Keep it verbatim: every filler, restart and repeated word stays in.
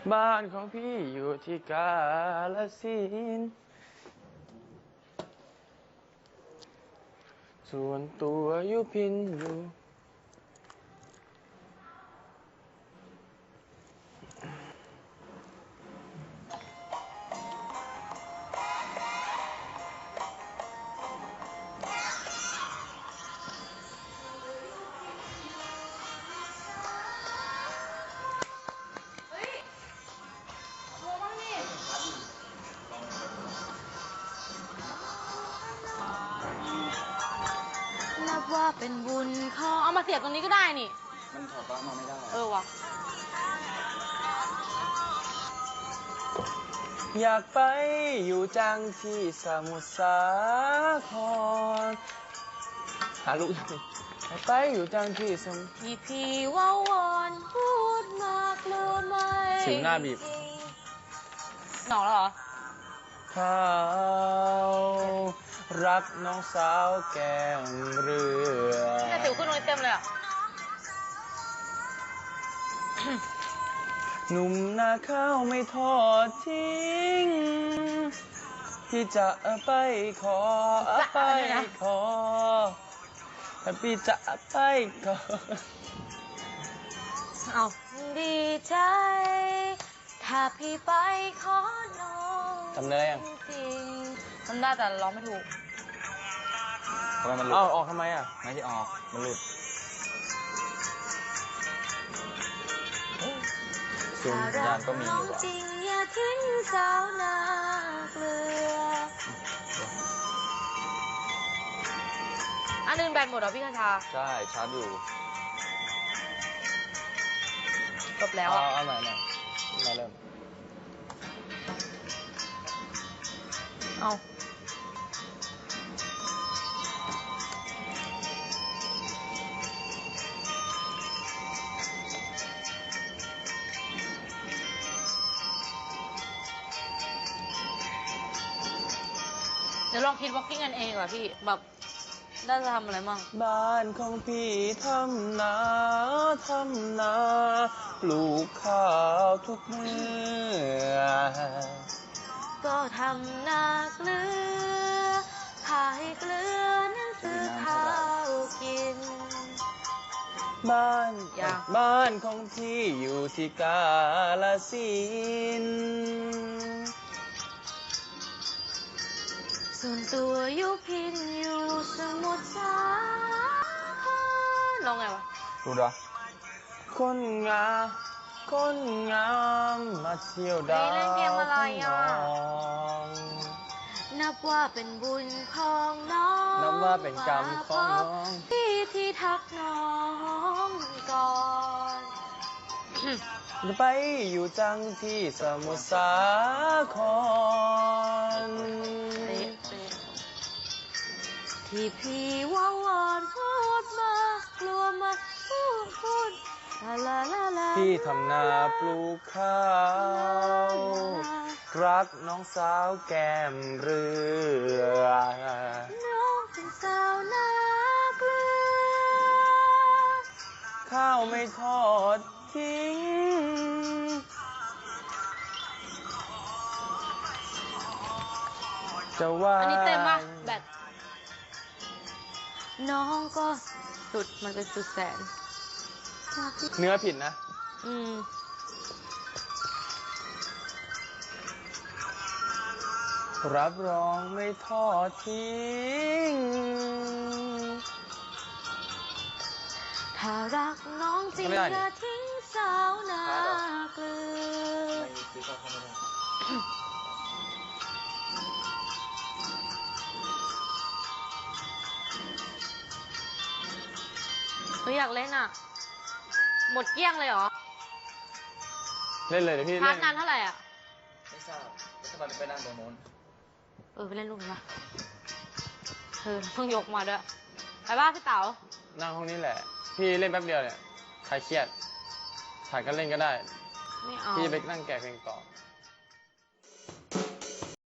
บ้านของพี่อยู่ที่กาฬสินธุ์ส่วนตัวอยู่พินอยู่นับว่าเป็นบุญเขาเอามาเสียบตรงนี้ก็ได้นี่มันถอดปลั๊กมาไม่ได้เออวะอยากไปอยู่จังที่สมุทรสาครหาลูกอยากไปอยู่จังที่สมุทรพี่พี่ว่าวอนพูดมากหรือไม่สิวหน้าบีบหนอกแล้วเหรอเขารักน้องสาวแก้มเรือแต่สิวขึ้นตรงนี้เต็มเลยอ่ะหนุ่มนาข้าวไม่ทอดทิ้งพี่จะไปขอไปขอแต่พี่จะไปขอเอาดีใจถ้าพี่ไปขอน้องทำได้ยังจริงทำได้แต่ร้องไม่ถูกทำไมมันหลุดอ้าวออกทำไมอ่ะไม่ใช่ออกมันหลุดส่วนยานก็มีอยู่ว่ะจริงอย่าทิ้งสาวนาเกลืออันนึงแบตหมดเหรอพี่คชาใช่ชาร์จอยู่จบแล้วอ่ะเอาใหม่หน่อยมาเริ่มเอาเดี๋ยวลองคิดวอล์กกิ้งกันเองดีกว่าพี่แบบได้จะทำอะไรมั่งบ้านของพี่ทำนาทำนาปลูกข้าวทุกเมื่อก็ทำนาเกลือขายเกลือนั่นซื้อข้าวกินบ้านบ้านของพี่อยู่ที่กาฬสินธุ์ส่วนตัวอยู่พินอยู่สมุทรสาครลองไงวะรู้ดะคนงามคนงามมาเที่ยวดาวเล่นเกมอะไรอ่ะนับว่าเป็นบุญของน้องนับว่าเป็นกรรมของน้องพี่ที่ทักน้องก่อนจะไปอยู่จังที่สมุทรสาครที่พี่ว่าวอนพูดมากลัวมาพูดพูดลาลาลาพี่ทำนาปลูกข้าวรักน้องสาวแก้มเรือน้องเป็นสาวนาเกลือข้าวไม่ทอดทิ้งจะว่าอันนี้เต็มป่ะแบตน้องก็สุดมันเป็นสุดแสนเนื้อผิดนะอืมรับรองไม่ทอดทิ้งถ้ารักน้องจริงอย่าทิ้งสาวนาเกลือหนูอยากเล่นอ่ะหมดเกลี้ยงเลยเหรอเล่นเลยเดี๋ยวพี่ชาร์จนานเท่าไหร่อ่ะไม่ทราบจะไปไปนั่งตรงโน้นเออไปเล่นลูกนี้มาเออเพิ่งยกมาด้วยไปบ้านพี่เต๋านั่งห้องนี้แหละพี่เล่นแป๊บเดียวเนี่ยใครเครียดถ่ายก็เล่นก็ได้ไม่เอาพี่ไปนั่งแกะเพลงต่อ